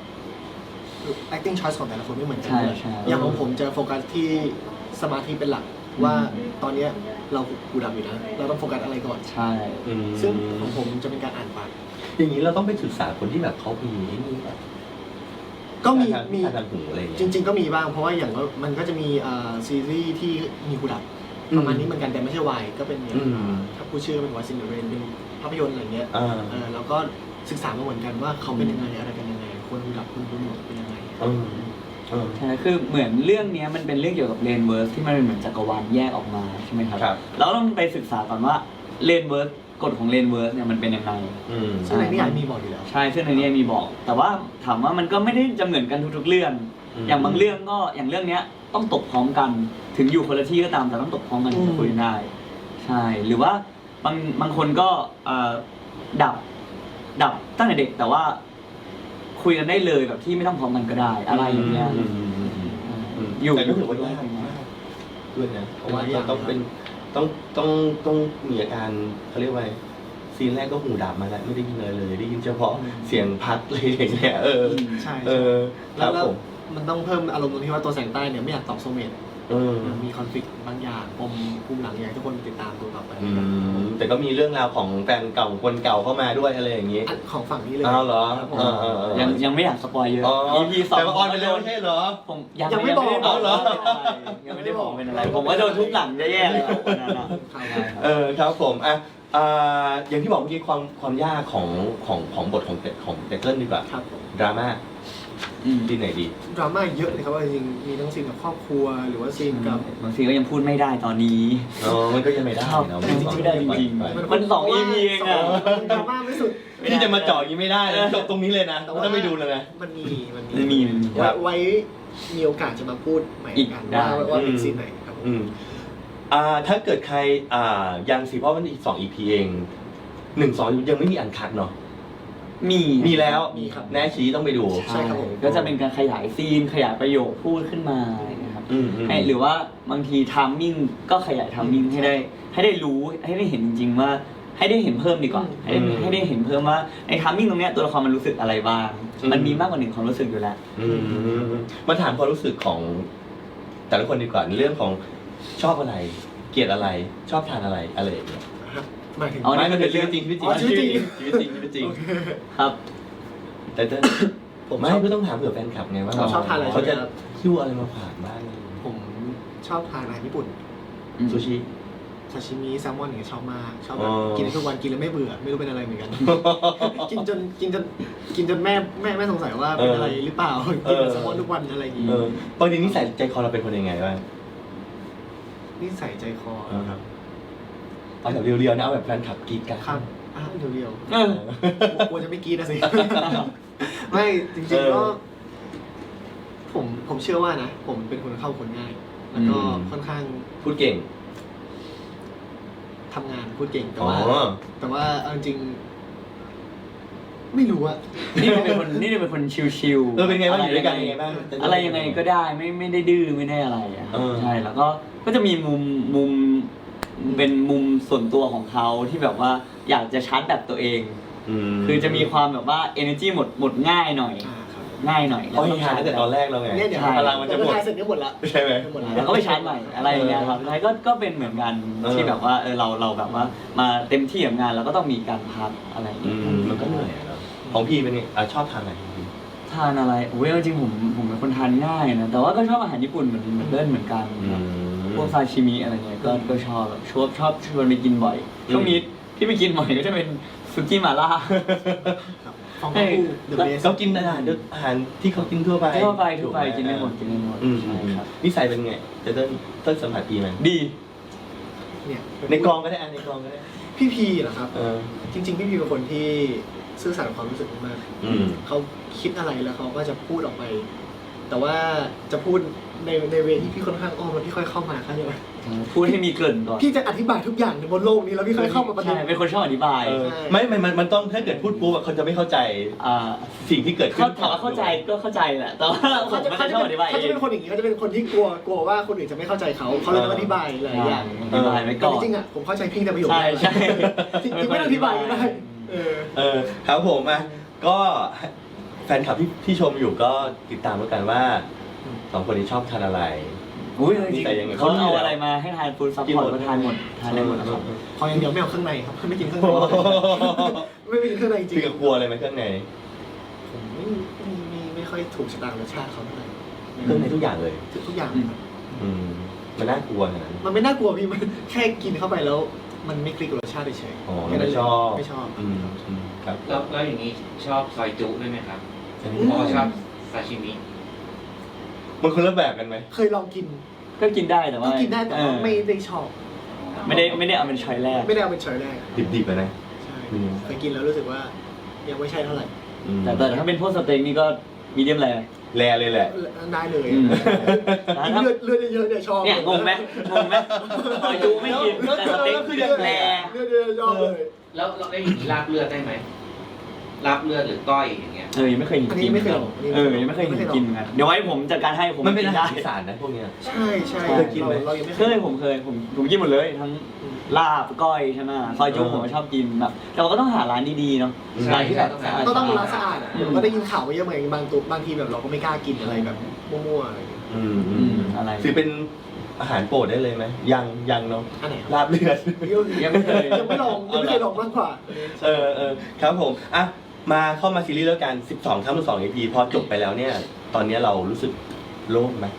Speaker 3: acting choice ของแต่ละคนไม่เหมือนกั
Speaker 6: ใช่
Speaker 3: เลย
Speaker 6: ใช่
Speaker 3: อย่างของผมจะโฟกัสที่สมาธิเป็นหลักว่าตอนเนี้ยเราหูดับอยู่นะเราต้องโฟกัสอะไรก่อน
Speaker 6: ใช่
Speaker 5: อืม
Speaker 3: ซึ่งของผมจะเป็นการอ่านปาก
Speaker 5: อย่างนี้เราต้องไปศึกษาคนที่แบบเขามีไอ้นี่แบบ
Speaker 3: ก็มี
Speaker 5: ทาง
Speaker 3: มี
Speaker 5: ทางหูอะไรอย่าง
Speaker 3: จ
Speaker 5: เงี้ย
Speaker 3: ริง ๆ ก็มีบ้างเพราะว่าอย่างว่ามันก็จะมีอ่าซีรีส์ที่มีหูดับ
Speaker 5: อืม
Speaker 3: ประมาณนี้เหมือนกันแต่ไม่ใช่วายก็เป็นอย่าง
Speaker 5: อืม
Speaker 3: ถ้าผู้ชื่อเป็นวายซินเดอเรนเป็นภาพยนตร์อะไรเงี้ย
Speaker 5: อ่า
Speaker 3: เออแล้วก็ศึกษามาเหมือนกันว่าเขาเป็นยังไงอะไรกันยังไงคนหูดับคนหูหนวกเป็นยังไง
Speaker 5: อืมอืม
Speaker 6: ใช่คือเหมือนเรื่องเนี้ยมันเป็นเรื่องเกี่ยวกับเลนเวิร์สที่มันเป็นเหมือนจักรวาลแยกออกมาใช่ไหมครับ
Speaker 5: ครับ
Speaker 6: แล้วต้องไปศึกษาก่อนว่าเลนเวิร์สกฎของเลนเวิร์สเนี่ยมันเป็นยังไง
Speaker 5: อืม
Speaker 3: ซึ่งในนิยายมีบอกอยู่แล้ว
Speaker 6: ใช่ซึ่งในนี้มีบอก แต่ว่าถามว่ามันก็ไม่ได้จะเหมือนกันทุกๆเรื่อง
Speaker 5: อืม
Speaker 6: อย่างบางเรื่องก็อย่างเรื่องเนี้ยต้องตกพร้อมกัน ถึงอยู่คนละที่ก็ตามแต่ต้องตกพร้อมกันถึงจะคุยกันได้ ใช่ หรือว่าบางบางคนก็เอ่อดับ ดับตั้งแต่เด็กแต่ว่า คุยกันได้เลยแบบที่ไม่ต้องพร้อมกันก็ได้ อะไรอย่างเงี้ย
Speaker 5: อืมอืมอืมอืมอืม
Speaker 6: อยู่
Speaker 5: แต่ก็ถือว่ายากมากด้วยนะเพราะว่าเราต้องเป็นต้องต้องต้องมีอาการเขาเรียกว่าซีนแรกก็หูดับมาแล้วไม่ได้ยินเลยเลย ได้ยินเฉพาะเสียงพัดเลยอย่างเงี้ยเออ
Speaker 3: ใช่
Speaker 5: เออค
Speaker 3: แล้
Speaker 5: รั
Speaker 3: ว
Speaker 5: บ
Speaker 3: แล้ว
Speaker 5: ผม
Speaker 3: มันต้องเพิ่มอารมณ์ตรงที่ว่าตัวแสงใต้เนี่ยไม่อยากตอบโซเมต
Speaker 5: อเออ
Speaker 3: มีคอนฟ lict บางอย่างปมภูมิหลังอยากให้ทุกคนติดตามดูต่อไป
Speaker 5: อืมแต่ก็มีเรื่องราวของแฟนเก่าคนเก่าเข้ามาด้วยอะไรอย่างนี้
Speaker 3: อันของฝั่งนี้เลย
Speaker 5: อ้าวเหรอ
Speaker 3: ครับผม
Speaker 5: เออเออเออ
Speaker 6: ยังยังไม่อยากสปอยเยอะ
Speaker 5: อ๋อ
Speaker 6: อี พี สอง
Speaker 5: แต่ว่าออนไปแล้วไม่ใช่เหรอ
Speaker 6: ผมยัง
Speaker 3: ยังไม่บอก
Speaker 6: ยังไม่ได้บอก
Speaker 5: เหรอ
Speaker 6: ยังไม่ได้บอกเป็นอะไร ผมก็โดนทุบหลังแย่ๆเลยคนนั้นอ่ะ
Speaker 5: เออครับผมอ่ะอ่าอย่างที่บอกเมื่อกี้ความความยากของของของบทของเตของเตเติ้ลดีกว่า
Speaker 3: ครับผม
Speaker 5: ดราม่า
Speaker 6: อืม
Speaker 5: ที่ไหนดี
Speaker 3: ดราม่าเยอะเลยครับว่าจริงๆมีทั้งซีนกับครอบครัวหรือว่าซีนกับบ
Speaker 6: างทีก็ยังพูดไม่ได้ตอนนี้
Speaker 5: อ๋อมันก็ยังไม่ได้
Speaker 6: ชอบ
Speaker 5: เนาะ
Speaker 6: จริงๆไม่ได้จริงๆ
Speaker 5: ไป
Speaker 6: มันสอง อี พี เองอะ
Speaker 3: ดราม่าไม่สุด
Speaker 5: ที่จะมาเจาะอยังนี้ไม่ได้นะจบตรงนี้เลยนะ
Speaker 3: แต่ว่า
Speaker 5: ถ้าไม่ดูเลยนะ
Speaker 3: มันมีมัน
Speaker 6: มันมีมันมี
Speaker 3: ไว้ไว้มีโอกาสจะมาพูดใหม่
Speaker 6: อีก
Speaker 3: กัน
Speaker 6: ได้
Speaker 3: ว่าว่าเป็นซีนไหนครับผม
Speaker 5: อืมอ่าถ้าเกิดใครอ่ายังสิเพราะมันอีกสองอีพีเองหนึ่งสองยังไม่มีอันคัดเนาะ
Speaker 6: มี
Speaker 5: มีแล้ว
Speaker 3: มีครับ
Speaker 5: แน่ชี้ต้องไปดู
Speaker 3: ใช่ครับผม
Speaker 6: ก็จะเป็นการขยายซีนขยายประโยคพูดขึ้นมาอะไรอย่างเงี้ยครับ
Speaker 5: อืมอืม
Speaker 6: ให้หรือว่าบางทีทามมิ่งก็ขยายทามมิ่งให้ได้ ให้ได้รู้ให้ได้เห็นจริงๆว่า ให้ได้เห็นเพิ่มดีกว่าให้ได้ให้ได้เห็นเพิ่มว่าในทามมิ่งตรงเนี้ยตัวละครมันรู้สึกอะไรบ้างมันมีมากกว่าหนึ่งความรู้สึกอยู่แล้ว
Speaker 5: อืมมาถามความรู้สึกของ แต่ละคนดีกว่าในเรื่องของชอบอะไร เกลียดอะไร ชอบทานอะไรอะไรอย่างเงี้ย
Speaker 3: หมายถึง
Speaker 6: เอา
Speaker 5: ไม่มันเป็นเรื่องจริงชีวิตจริง
Speaker 3: อ๋อชีวิตจริง
Speaker 5: ชีวิตจริงชีวิตจริง
Speaker 3: โอเค
Speaker 6: ครับ
Speaker 5: แต่เต้น
Speaker 3: ผม
Speaker 5: ไม่
Speaker 3: ชอบ
Speaker 5: ก็ต้องถามเผื่อแฟนคลับไงว่า
Speaker 3: เขาชอบทานอะไร
Speaker 5: เขาจะ
Speaker 3: ใช่ไหมครับ
Speaker 5: คิ้วอะไรมาฝากบ้าง
Speaker 3: ผมชอบทานอาหารญี่ปุ่น
Speaker 5: ซูชิ
Speaker 3: ซาชิมิแซลมอนอย่างเงี้ยชอบมากชอบแบ
Speaker 5: อ๋
Speaker 3: บ
Speaker 5: อ
Speaker 3: กินได้ทุกวันกินแล้วไม่เบื่อไม่รู้เป็นอะไรเหมือนกัน กินจนกินจนกินจนแม่แม่แม่สงสัยว่าเป็นอะไรหรือเปล่ากินแต่แซลมอนทุกวันอะไรอย่างงี้
Speaker 5: เออปกตินิสัยใจคอเราเป็นคนยังไงบ้าง
Speaker 3: นิสัยใจคอครับ
Speaker 5: เอาแบบเรียวๆนะเอาแบบแฟนคลับกรีดกัน
Speaker 3: ครับอ่ะเรียว
Speaker 6: เออ
Speaker 3: ๆกลัวจะไม่กรีดนะสิ ไม่จริงๆก็ผมผมเชื่อว่านะ ผมเป็นคนเข้าคนง่าย แล้วก็ค่อนข้าง
Speaker 5: พูดเก่ง
Speaker 3: ทำงานพูดเก่งแต่
Speaker 5: อ๋อ
Speaker 3: ว่า แต่ว่าเอาจริงๆไม่รู้อะ
Speaker 6: นี่เป็นคนนี่เป็นคนชิลๆ
Speaker 5: เออเป็นไงบ้างอยู่ด้วยกันยังไงบ้าง
Speaker 6: อะไรยังไงก็ได้ไม่ไม่ได้ดื้อไม่ได้อะไรอะครับ
Speaker 5: เออ
Speaker 6: ใช่แล้วก็ก็จะมีมุมมุมเป็นมุมส่วนตัวของเขาที่แบบว่าอยากจะชาร์จแบตตัวเอง
Speaker 5: ม
Speaker 6: คือจะมีความแบบว่า energy หมดหมดง่ายหน่อย
Speaker 3: อ่าครับ
Speaker 6: ง่ายหน่อย
Speaker 5: เขาให้ทานตั้งแต่ตอนแรกแล้วไง
Speaker 3: เนี่ยเดี๋ยว
Speaker 6: ใช่
Speaker 5: พลังมันจะหมด
Speaker 3: ทายเสร็จก็หมดละ
Speaker 5: ใช่ไหม
Speaker 3: หมดละ
Speaker 6: แล้วก็ไปชาร์จใหม่อะไรอย่างเงี้ยครับแล้วก็ก็เป็นเหมือนกัน
Speaker 5: เออ
Speaker 6: ที่แบบว่าเออเราเราแบบว่ามาเต็มที่กับงานเราก็ต้องมีการพักอะไรอย่าง
Speaker 5: อื
Speaker 6: เงี้ย
Speaker 5: มมันก็เหนื่อยอะเนาะของพี่เป็นไงอ่ะชอบทานอะไรของพี่
Speaker 6: ทานอะไรโอ้ยจริงๆผมผมเป็นคนทานง่ายนะแต่ว่าก็ชอบอาหารญี่ปุ่นเหมือนเหมือนเล่นเหมือนกัน
Speaker 5: อืม
Speaker 6: พวกซาชิมิอะไรเงี้ยก็ก็ชอบแบบชอบชอบชวนไปกินบ่อย
Speaker 5: อืม
Speaker 6: ช่วงนี้ที่ไปกินบ่อยก็จะเป็นซุกี้หม่าล่า
Speaker 3: ครับฟองเต้าหู้ The Best
Speaker 5: เขากินอาหารอาหารที่เขากินทั่วไป
Speaker 6: ทั่วไปทั่วไปกินได้หมดกินได้หมด
Speaker 5: อืม
Speaker 6: ใช่ครับ
Speaker 5: นิสัยเป็นไงจะเต้นเต้นสัมผัสดีไหม
Speaker 6: ดี
Speaker 3: เนี่ย
Speaker 5: ในกองก็ได้อ่ะในกองก็ได้
Speaker 3: พี่พีเหรอครับ
Speaker 5: เออ
Speaker 3: จริง ๆ พี่พีเป็นคนที่ซื่อสัตย์กับความรู้สึกมาก
Speaker 5: อืม
Speaker 3: เขาคิดอะไรแล้วเขาก็จะพูดออกไป แต่ว่าจะพูดในในเวที่พี่ค่อนข้างอ้อมแล้วพี่ค่อยเข้ามาเข้าใจไหม
Speaker 6: พูดให้มีเกริ่นก่อน
Speaker 3: พี่จะอธิบายทุกอย่างในบนโลกนี้แล้วพี่ค่อยเข้ามาประเด็
Speaker 6: ใช่
Speaker 3: น
Speaker 6: เป็นคนชอบอธิบาย
Speaker 5: เออ
Speaker 3: ใช่
Speaker 5: ไม่ไม่มันมันต้องถ้าเกิดพูดปุ๊บอะเขาจะไม่เข้าใจ
Speaker 6: อ่า
Speaker 5: สิ่งที่เกิดขึ้
Speaker 6: เขา
Speaker 5: น
Speaker 6: ถามว่าเข้าใจก็เข้าใจแหละแต่ว่าผม
Speaker 3: เขาจะ
Speaker 6: ไม่
Speaker 3: เขา
Speaker 6: ได้
Speaker 3: จะ
Speaker 6: ชอบ
Speaker 3: เป็
Speaker 6: อน ธิบาย
Speaker 3: เขา
Speaker 6: เอ
Speaker 3: จะ
Speaker 6: ง
Speaker 3: เป็นคนอย่างนี้เขาจะเป็นคนที่กลัวกลัวว่าคนอื่นจะไม่เข้าใจเขาเขาเลยต้องอธิบายหลายอย่าง
Speaker 6: อธิบายไว้
Speaker 3: แต่
Speaker 6: ก่อน
Speaker 3: จริงๆอ่ะผมเข้าใจพี่ในประโยค
Speaker 6: ใช่
Speaker 3: แรก
Speaker 6: ใช่
Speaker 3: จริงๆไม่ต้องอธิบายก็ได้เออ
Speaker 5: เออครับผมอ่ะก็แฟนคลับที่ที่ชมอยู่ก็ติดตามแล้วกันว่าสองคนนี้ชอบทานอะไร
Speaker 6: อุ้ยจ
Speaker 5: นิ
Speaker 6: ริง
Speaker 5: สัยยังไง
Speaker 6: ๆเขาเอาอะไรมาให้ทานฟู้ดซัพพอร์ตก็ทานหมดทานได้หมดนะครับ
Speaker 3: ขออย่างเดียวไม่เอาเครื่องในครับไม่กินเครื่องในไม่กินเครื่องในจริง
Speaker 5: พี่กับกลัวอะไรไหมเครื่องใน
Speaker 3: ผมไม่ไม่ไม่ไม่ค่อยถูกชะตารสชาติเขาเท่าไหร่
Speaker 5: เครื่องในทุกอย่างเลย
Speaker 3: ทุกอย่าง
Speaker 6: อืม
Speaker 3: ครับ
Speaker 5: อืมมันน่ากลัวขนาดนั้น
Speaker 3: มันไม่น่ากลัวพี่มันแค่กินเข้าไปแล้ว มันไม่คลิกกับรสชาติเฉยๆ
Speaker 5: อ๋อ
Speaker 3: แค่นั้น
Speaker 5: ไม่
Speaker 3: เลย
Speaker 5: ชอบ
Speaker 3: ไม่ชอบ
Speaker 5: อืมอืมครับ
Speaker 1: แล้วแล้วอย่างนี้ชอบซอยจุด้วยไหมครับ
Speaker 5: อัน
Speaker 3: อื
Speaker 5: นี้
Speaker 3: ม
Speaker 1: เพราะว่าชอบซาชิมิ
Speaker 5: มันคนละแบบกันไหม
Speaker 3: เคยลองกิน
Speaker 6: ก็กินได้แต่
Speaker 3: ก็
Speaker 6: ว่า
Speaker 3: กินได้แต่ว่า
Speaker 6: เออ
Speaker 3: ไม่ได้ชอบ
Speaker 6: ไม่ได้ไม่ได้เอาเป็นช้อยแรก
Speaker 3: ไม่ได้เอาเป็นช้อยแรก
Speaker 5: ดิบๆอะนะ
Speaker 3: ใช่
Speaker 5: อืม
Speaker 3: เคยกินแล้วรู้สึกว่ายังไม่ใช่เท่าไหร่
Speaker 5: อืม
Speaker 6: แต่แต่ถ้าเป็นพวกสเต็กนี่ก็มีเดียมแร
Speaker 5: แลเลยแหละ
Speaker 3: ได้เลย
Speaker 6: อืม
Speaker 3: กินเลือดเลือดเยอะๆเนี่ยชอบ
Speaker 6: เนี่ยงงไหมงงไหมซอยจูไม่กินแต่สเต็กคือแร
Speaker 3: เลือดเยอะๆชอบเลย
Speaker 1: แล้วแล้วได้อย่างนี้ลาบเลือดได้ไหมลาบเลือดหรือก้อยอย่างเงี้ย
Speaker 6: เออยังไม่เคยเห็น
Speaker 3: อัน
Speaker 6: กิ
Speaker 3: นี้
Speaker 6: น
Speaker 3: ไม่เคยลอง
Speaker 6: เออยังไม่เคยเห็นกินเหมือนกันเดี๋ยวไว้ผมจัดการให้ผม
Speaker 5: มันเป็นอาหาร
Speaker 6: ได้
Speaker 5: อีสานนะพวกเนี้ย
Speaker 3: ใช่ใช่
Speaker 5: เคยกินไหม
Speaker 3: เรายังไม่
Speaker 6: เคยผมเคยผมผมกินหมดเลยทั้งลาบก้อยใช่ไหมซอยจุผมก็ชอบกินแบบแต่ว่าก็ต้องหาร้านดีๆเนาะ
Speaker 1: ใช่
Speaker 6: ร้านที่แบบ
Speaker 1: ใช่
Speaker 3: ก็ต้องร้านสะอาดอ่ะก็ได้ยินข่าวมาเยอะเหมือนกันบางตัวบางทีแบบเราก็ไม่กล้ากินอะไรแบบมั่วๆอะไรอย่างเงี้ย
Speaker 5: อืมอื
Speaker 6: อื
Speaker 5: ม
Speaker 6: มอะไร
Speaker 5: ถือเป็นอาหารโปรดได้เลยไหมยังยังเนาะ
Speaker 3: อันไหนครับ
Speaker 5: ลาบเลือด
Speaker 6: ยังไม่เคย
Speaker 3: ยังไม่ลองยังไม่เคยลองมากกว่า
Speaker 5: เออเออครับผมอ่ะมาเข้ามาซีรีส์แล้วกันสิบสองทั้งสิบสอง อี พี พอจบไปแล้วเนี่ย ตอนนี้เรารู้สึกโล่งไหม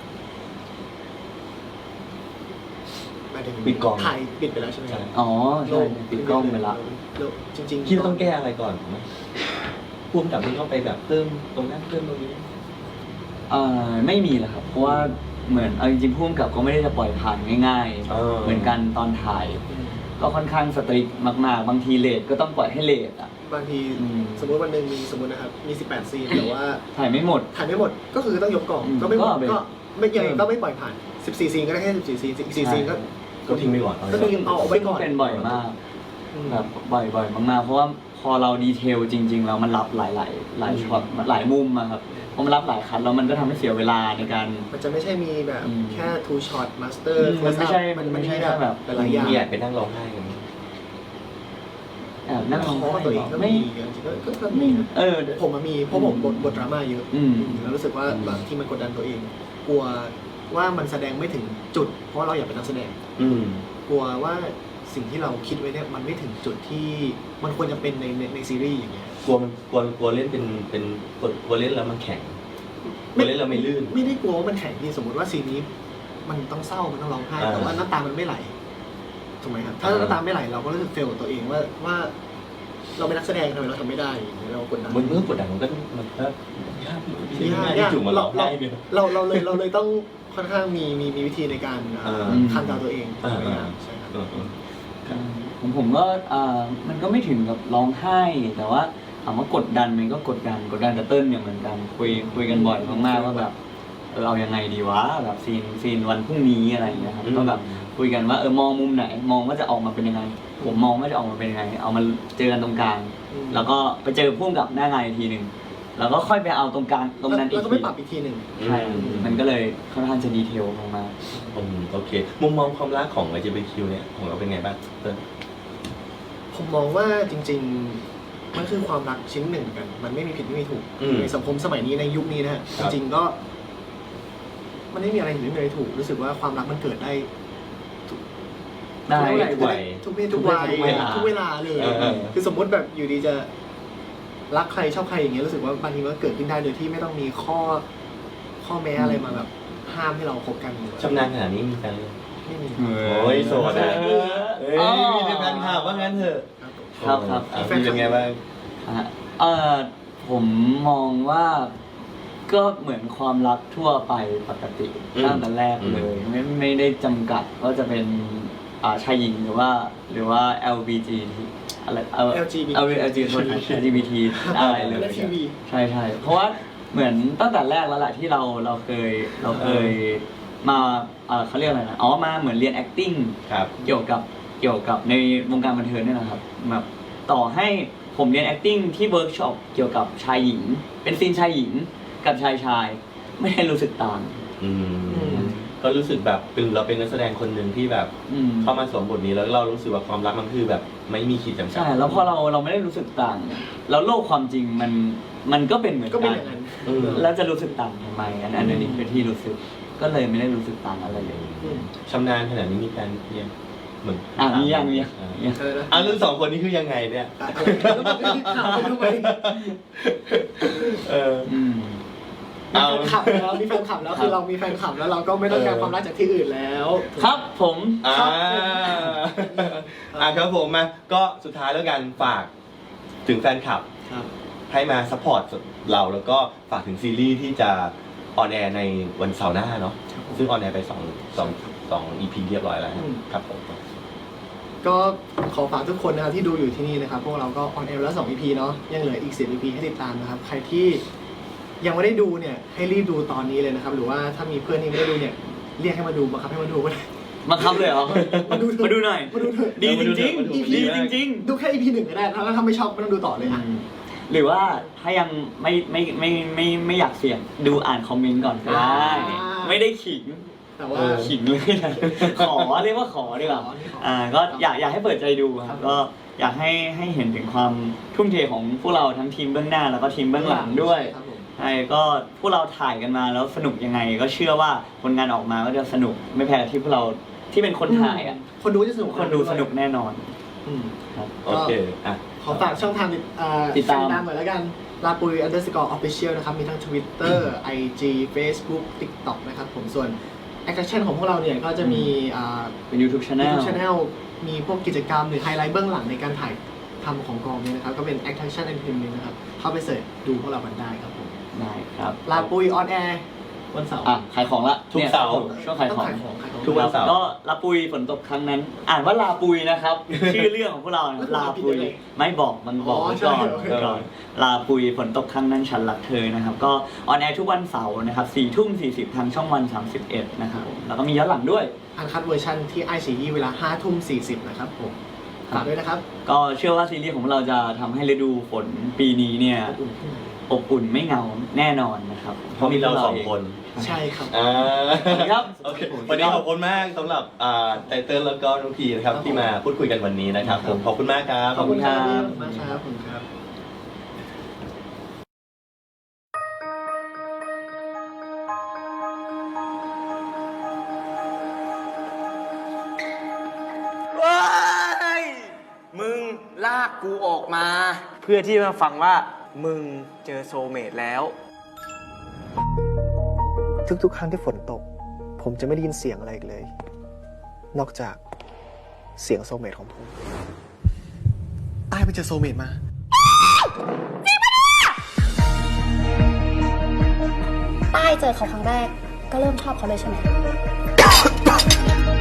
Speaker 3: หมายถึง
Speaker 5: ปิดกล้อง
Speaker 3: ถ่ายปิดไปแล้วใช่ไหมครับ
Speaker 6: อ๋อใช่ปิดกล้องไปละ
Speaker 3: แล้วจริงๆ
Speaker 5: คิดว่าต้องแก้อะไรก่อนไหมพ่วงกับที่เข้าไปแบบเพิ่มตรงนั้นเพิ่มตรงนี้
Speaker 6: เอ่อไม่มีแหละครับเพราะว่าเหมือนเอาจริงๆพุ่มกับก็ไม่ได้จะปล่อยผ่านง่าย
Speaker 5: เออ
Speaker 6: ๆ เหมือนกันตอนถ่าย ก็ค่อนข้างสตริกมากๆ บางทีเลทก็ต้องปล่อยให้เลทอ่ะ
Speaker 3: บางที
Speaker 6: อืม
Speaker 3: สมมติวันหนึ่งมีสมมตินะครับมีสิบแปดซีนแต่ว่า
Speaker 6: ถ่ายไม่หมด
Speaker 3: ถ่ายไม่หมดก็คือต้องยกกล่อง
Speaker 6: อืม
Speaker 3: ก็ไม่หมด
Speaker 6: ก็เอาไป
Speaker 3: ก็ไม่ยังไง
Speaker 6: เออ
Speaker 3: ก็ไม่ปล่อยผ่านสิบสี่ซีนก็ได้แค่สิบสี่ซีนอีกสี่ซีนก็
Speaker 5: ก็ทิ้งไปก่อนเอาไว้
Speaker 3: ก็
Speaker 5: ก่อน
Speaker 3: ทิ้งเอาไว้ก่อน
Speaker 6: เป็นบ่อยมาก
Speaker 3: อืม
Speaker 6: แบบบ่อยๆมากๆเพราะว่าพอเราดีเทลจริง ๆ แล้วมันรับหลายๆหลายช็อตหลายมุมอะครับพอมันรับหลายคันแล้วมันก็ทำให้เสียเวลาในการ
Speaker 3: มันจะไม่ใช่มีแบบ
Speaker 6: อืม
Speaker 3: แค่ two shot master
Speaker 6: อืมมันไม่ใช่
Speaker 3: มัน
Speaker 6: มันไม่ใช่
Speaker 3: แบบ
Speaker 6: แบบ
Speaker 3: หลายๆอย่าง
Speaker 5: มีแอบไปนั่งร้องไห้กันไหม
Speaker 6: แอบนั่งร้อง
Speaker 3: เพราะ
Speaker 6: ไห้
Speaker 3: ว่าตัวเองก็
Speaker 6: ไม่
Speaker 3: มีจริงๆก็ก็ก็มีนะ
Speaker 6: เออ
Speaker 3: ผมอะมีเพราะผมบทบทดราม่าเยอะ
Speaker 6: อืม
Speaker 3: แล้วรู้สึกว่าบางที่มันกดดันตัวเอง กลัวว่ามันแสดงไม่ถึงจุด เพราะเราอยากเป็นนักแสดง
Speaker 5: อืม
Speaker 3: กลัวว่าสิ่งที่เราคิดไว้เนี่ยมันไม่ถึงจุดที่มันควรจะเป็นในในในซีรีส์อย่างเงี้ย
Speaker 5: กลัวมันกลัวกลัวเล่นเป็นเป็นกลัวกลัวเล่นแล้วมันแข็งกลัวเล่นแล้วไม่ลื่น
Speaker 3: ไม่ได้กลัวว่ามันแข็งที่สมมติว่าซีนนี้ มันต้องเศร้ามันต้องร้องไห้
Speaker 5: อ่า
Speaker 3: แต่ว่าน้ำตามันไม่ไหลถูกไหมครับถ้า
Speaker 5: อ่า
Speaker 3: น้ำตาไม่ไหลเราก็รู้สึกเฟลกับตัวเองว่าว่า เราเป็นนักแสดงทำไมเราทำไม่ได้อย่างเงี้ยเรากดดัน
Speaker 5: มันเมื่อกดดันมันก็มันก็ยากอยู่ที่
Speaker 3: ยาก
Speaker 5: ที่
Speaker 3: ยาก
Speaker 5: จุ่มมาร้องไห้เนี่ย
Speaker 3: เราเราเลยเราเลยต้องค่อนข้างมีมีมีวิธีในการ
Speaker 5: อ่า
Speaker 3: คันดาวตัวเอง
Speaker 5: อ่า
Speaker 3: พยายามใช่ครับ
Speaker 5: เออเออ
Speaker 6: ผมผมก็อ่ามันก็ไม่ถึงกับร้องไห้ แต่ว่าถามว่ากดดันมันก็กดดันกดดันกับเติ้ลเนี่ยเหมือนกันคุยคุยกันบ่อยมากๆว่าแบบเออเอายังไงดีวะแบบซีนซีนวันพรุ่งนี้อะไรอย่างเงี้ยครับก็แบบคุยกันว่าเออมองมุมไหนมองว่าจะออกมาเป็นยังไง ผมมองว่าจะออกมาเป็นยังไง เอามาเจอกันตรงกลาง
Speaker 3: อืม
Speaker 6: แล้วก็ไปเจอพุ่มกับหน้างานอีกทีหนึ่งแล้วก็ค่อยไปเอาตรงกลางตรงนั้นอี
Speaker 3: แล้
Speaker 6: ก
Speaker 3: วก็
Speaker 6: ที
Speaker 3: ไม่ปรับอีกทีหนึ่ง
Speaker 6: ใช่มันก็เลยค่อนข้างจะดีเทลมาก
Speaker 5: อืมโอเค มุมมองความรักของ แอล จี บี ที คิว เนี่ยของเราเป็นไงบ้างเติ้ล
Speaker 3: ผมมองว่าจริง ๆ มันคือความรักชิ้นหนึ่งกัน มันไม่มีผิดไม่มีถูก
Speaker 5: อืม
Speaker 3: ในสังคมสมัยนี้ในยุคนี้นะฮะ
Speaker 5: ค
Speaker 3: จ
Speaker 5: รับ
Speaker 3: ริงๆก็ มันไม่มีอะไรผิดไม่มีอะไรถูก รู้สึกว่าความรักมันเกิดได้
Speaker 6: ๆได้
Speaker 3: ทุก
Speaker 5: ทุกวั
Speaker 3: วั
Speaker 5: ย
Speaker 3: ยทุกเพศทุกวัย
Speaker 6: ทุกเวลา
Speaker 3: ทุกเวลาเลย
Speaker 5: เออเออ
Speaker 3: คือสมมติแบบอยู่ดีจะรักใครชอบใครอย่างเงี้ยรู้สึกว่าบางทีมันก็เกิดขึ้นได้โดยที่ไม่ต้องมีข้อข้อแม้อะไรมาแบบห้ามให้เราคบกัน
Speaker 5: ชำนาญขนาดนี้มีแฟนเลยง
Speaker 3: ไม่มี
Speaker 5: โอ้ยโสด
Speaker 6: เอ
Speaker 5: อะ
Speaker 6: อ
Speaker 5: เอ้ยมีแต่แฟนคลับว่างั้นเถอะ
Speaker 3: ครับผม
Speaker 6: ครับครับ
Speaker 5: อ่ะมีเป็นไงบ้าง
Speaker 6: อ่ะเออผมมองว่าก็เหมือนความรักทั่วไปปกติ
Speaker 5: อืม
Speaker 6: ตั้งแต่แรกเลย ไม่ไม่ได้จำกัดว่าจะเป็นอ่าชายหญิงหรือว่า หรือว่า แอล บี จี อะไรเออ
Speaker 3: แอล จี บี
Speaker 6: แอล จี โทษนะ แอล จี บี ที อะไรเลย
Speaker 3: และทีวี
Speaker 6: ใช่ใช่เพราะว่าเหมือนตั้งแต่แรกแล้วแหละที่เราเราเคยเราเคยมาเอ่อเขาเรียกอะไรนะอ๋อมาเหมือนเรียน acting
Speaker 5: ครับ
Speaker 6: เกี่ยวกับเกี่ยวกับในวงการบันเทิงเนี่ยนะครับแบบต่อให้ผมเรียน acting ที่เวิร์กช็อปเกี่ยวกับชายหญิง เป็นซีนชายหญิงกับชายชายไม่ได้รู้สึกต่าง
Speaker 5: อืม
Speaker 3: อืม
Speaker 5: ก็รู้สึกแบบเป็นเราเป็นนักแสดงคนหนึ่งที่แบบ
Speaker 6: อืม
Speaker 5: เข้ามาสวมบทนี้แล้วเรารู้สึกว่าความรักมันคือแบบไม่มีขีดจำกัด
Speaker 6: ใช่แล้วพอเราเราไม่ได้รู้สึกต่างแล้วโลกความจริงมันมันก็เป็นเหมือน
Speaker 3: ก็เป็น
Speaker 6: กั
Speaker 3: อน ย่างนั้น
Speaker 5: อืม
Speaker 6: แล้วจะรู้สึกต่างทำไมอันอันนี้คือที่รู้สึกก็เลยไม่ได้รู้สึกต่างอะไรเลย
Speaker 3: อืม
Speaker 5: ชำนาญขนาดนี้มีการเรียนเหมือน
Speaker 6: อ่ะมียังมียัง
Speaker 5: อ่ะ
Speaker 6: มียัง
Speaker 3: อะไรนะ
Speaker 5: อ่ะรุ่นสองคนนี้คือยังไงเนี่ย
Speaker 3: อ่ะอะไรแล้วมันก็ถามไปทำไม
Speaker 5: เออ
Speaker 6: อืม
Speaker 3: มีแฟนคลับแล้วมีแฟนคลับแล้วคือเรามีแฟนคลับแล้วเราก็ไม่ต้องการความรักจากที่อื่นแล้ว
Speaker 6: ครับผม
Speaker 5: อ่า
Speaker 3: ครับ
Speaker 5: อ่ะครับผมมาก็สุดท้ายแล้วกันฝากถึงแฟนคลับ
Speaker 3: ครับ
Speaker 5: ให้มาซัพพอร์ตเราแล้วก็ฝากถึงซีรีส์ที่จะออนแอร์ในวันเสาร์หน้าเนาะ
Speaker 3: ครับผม
Speaker 5: ซึ่งออนแอร์ไปสองสองสองอีพีเรียบร้อยแล้ว
Speaker 3: อืม
Speaker 5: ครับผม
Speaker 3: ก็ขอฝากทุกคนนะครับที่ดูอยู่ที่นี่นะครับ พวกเราก็ออนแอร์แล้วสอง อี พี เนาะยังเหลืออีกสิบ อี พี ให้ติดตามนะครับ ใครที่ยังไม่ได้ดูเนี่ยให้รีบดูตอนนี้เลยนะครับ หรือว่าถ้ามีเพื่อนที่ไม่ได้ดูเนี่ยเรียกให้มาดูบังคับให้มาดูก็ได้
Speaker 6: มาครับเลยเหรอ
Speaker 3: มาดูเถอะ
Speaker 6: มาดูหน่อย
Speaker 3: มาดูเถอะ
Speaker 6: ดีจริง
Speaker 5: มาดู
Speaker 6: ๆ ดีจริง
Speaker 3: ดูแค่ อี พี หนึ่งก็ได้แล้วถ้าไม่ชอบไม่ต้องดูต่อเลยอ่ะ
Speaker 6: ๆ หรือว่าถ้ายังไม่ไม่ไม่ไม่ไม่อยากเสี่ยงดูอ่านคอมเมนต์ก่อนก็ได้
Speaker 3: อ่า
Speaker 6: ไม่ได้ขิง
Speaker 3: แต่ว่า
Speaker 6: ขิงเลยนะ ขอเรียกว่าขอดีกว่า
Speaker 3: ขอนี่ขออ่
Speaker 6: อ่าก็อยากอยากให้เปิดใจดูค
Speaker 3: ครั
Speaker 6: รับบ ก็อยากให้ให้เห็นถึงความทุ่มเทของพวกเราทั้งทีมเบื้องหน้าแล้วก็ทีมเบื้องหลังด้วย
Speaker 3: ครับผม
Speaker 6: คช่ก็พวกเราถ่ายกันมาแล้วสนุกยังไง ก็เชื่อว่าผลงานออกมาก็จะสนุกไม่แพ้ที่พวกเราที่เป็นคนถ่ายอ่ะ
Speaker 3: คนดูจะสนุก
Speaker 6: คนดูสนุกแน่นอน
Speaker 3: อืม
Speaker 6: ครับ
Speaker 5: โอเคอ่ะ
Speaker 3: ขอฝากช่องทางติดเอ่อ
Speaker 6: ติดตาม
Speaker 3: หน่อยแล้วกันลาปุย underscore official นะครับ มีทั้ง Twitter ไอ จี Facebook TikTok นะครับผมส่วน Action ของพวกเราเนี่ยก็จะมีอ่า
Speaker 6: เป็น YouTube Channel
Speaker 3: YouTube Channel มีพวกกิจกรรมหรือไฮไลท์เบื้องหลังในการถ่ายทำของกองเนี่ยนะครับ ก็เป็น Action Entertainment นะครับ เข้าไปเสิร์ชดูพวกเรากันได้ครับผม
Speaker 6: ได้ครับ
Speaker 3: ลาปุยออนแอร์วันเสาร์
Speaker 6: อ่ะขายของละ
Speaker 5: ทุกเสาร์
Speaker 6: นี่ยช่วงขาย
Speaker 3: ต้อง
Speaker 6: ของ
Speaker 3: ขายของขายของ
Speaker 5: ทุกวันเสาร์
Speaker 6: ก็ลาปุยฝนตกครั้งนั้น อ่านว่าลาปุยนะครับ ชื่อเรื่องของพวกเรานะลาปุยไม่บอกมันบอก
Speaker 3: อ๋อ
Speaker 6: ไว้
Speaker 3: ใช่
Speaker 6: ก่อน
Speaker 3: โอเค
Speaker 6: ก่อนลาปุยฝนตกครั้งนั้นฉันรักเธอนะครับ ก็ออนแอร์ทุกวันเสาร์นะครับสี่ทุ่มสี่สิบทางช่องวันสามสิบเอ็ดนะครับผมแล้วก็มีย้อนหลังด้วย
Speaker 3: อันคัดเวอร์ชันที่ไอซีเวลาห้าทุ่มสี่สิบนะครับผมฝากด้วยนะครับ
Speaker 6: ก็เชื่อว่าซีรีส์ของเราจะทำให้ฤดูฝนปีนี้เนี่ย
Speaker 3: อบอุ่นขึ้นมา
Speaker 6: อบอุ่นไม่เหงาแน่นอนนะครับ
Speaker 5: เพราะมีเราสองคน
Speaker 3: ใช่ครับ
Speaker 5: อ่า
Speaker 6: ครับ
Speaker 5: โอเควันนี้ขอบคุณมากสำหรับอ่าไตเติ้ลแล้วก็น้องพีนะครับที่มาพูดคุยกันวันนี้นะครับผมขอบคุณมากครับ
Speaker 3: ขอบคุณครับ
Speaker 6: ขอบคุณครับ
Speaker 3: ขอบคุณมากครับขอบคุณครับ
Speaker 2: ว้ายมึงลากกูออกมา เพื่อที่มาฟังว่ามึงเจอโซลเมตแล้ว
Speaker 3: ทุกๆ ครั้งที่ฝนตก ผมจะไม่ได้ยินเสียงอะไรอีกเลย นอกจากเสียงโซลเมตของผมอ้ายไปเจอโซลเมตมา
Speaker 4: ป้ายเจอเขาครั้งแรก ก็เริ่มชอบเขาเลยใช่ไหม